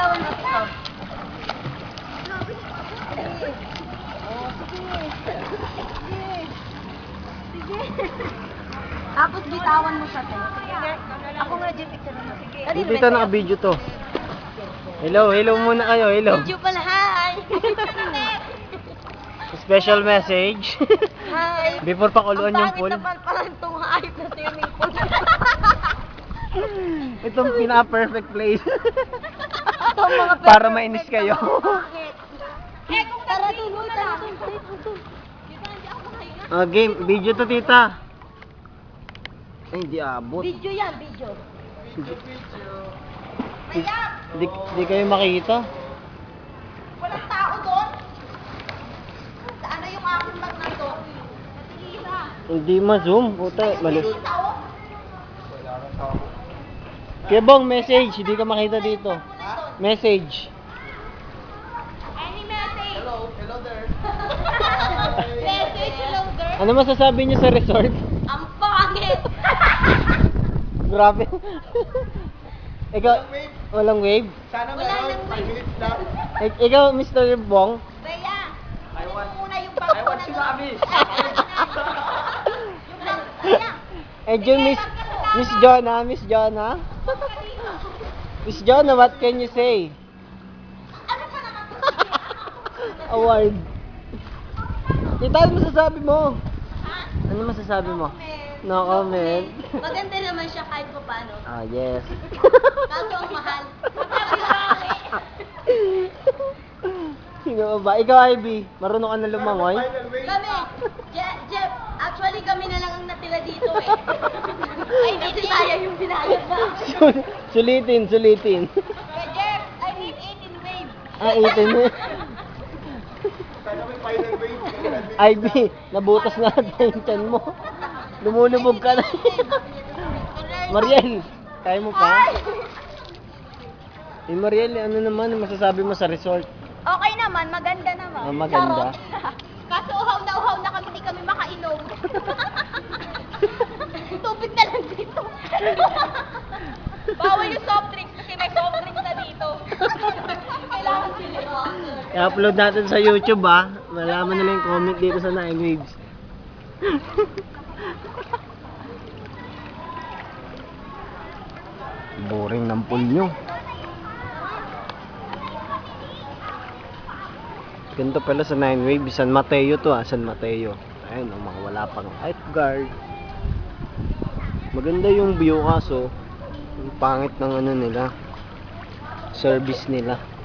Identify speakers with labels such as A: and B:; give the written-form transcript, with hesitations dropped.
A: bitawan mo ito. Sige. Tapos bitawan mo siya, te. Ako nga, Jeff, picture mo. Sige.
B: Dito naka-video to. Hello muna kayo, hello.
A: Video pala, hi!
B: Special message.
A: Hi!
B: Before pakuluan yung pool.
A: Ang pangit naman itong hayop na swimming pool.
B: Itong pina-perfect place.
A: Itong mga
B: Para mainis kayo.
A: Eh, kung tara dito na lang.
B: Game, video to tita. Ay, hindi abot.
A: Video yan, video.
B: Di kayo makikita.
A: Walang tao doon. Saan na yung aking bag na to?
B: Hindi ma-zoom. Puta, mali.
A: Nakita, oh.
B: Kaya bang message, hindi ka makita dito. Message.
A: Any message? Hello there. Message, hello there.
B: Ano masasabi niyo sa resort?
A: Ang pangit.
B: Grabe. Ikaw, walang wave?
A: Wala nang wave.
B: Ikaw, Mr. Bong?
A: Bea, kunin mo muna yung bag ko na doon. Yung bag, Bea.
B: Enjoy, Miss Jonah, Miss Jonah. Miss Jonah, what can you say?
A: Ano pa naman?
B: Award. Tita, ano masasabi mo?
A: Ha?
B: Ano masasabi mo?
A: Comment.
B: No comment.
A: Maganda naman siya kahit pa paano.
B: Ah, yes.
A: Kaso ang mahal.
B: Sino ba? Ikaw, Ivy, marunong ka na lumangoy?
A: Kami, Jeff, actually kami na lang ang natira dito eh. Ay, hindi tayo yung binayad na.
B: Sulitin.
A: Kaya Jeff, I need 18 waves.
B: Ah, 18 mo. Ivy, nabutas na natin yung tiyan mo. Lumulubog ka na. Mariel, kaya mo pa? Mariel, ano naman ang masasabi mo sa resort?
A: Okay naman, maganda naman.
B: Ah, maganda.
A: Charot. Kaso uhaw na kami, hindi kami makainom. Tubig na lang dito. Bawal yung soft drinks kasi may soft drinks na dito. Kailangan sila.
B: I-upload natin sa YouTube Malaman nila yung comment dito sa 9 Waves. Boring ng pool nyo. Ganito pala sa 9 Waves. San Mateo to San Mateo. Ayun, mga wala pang lifeguard. Maganda yung view kaso ang pangit ng ano nila, service nila.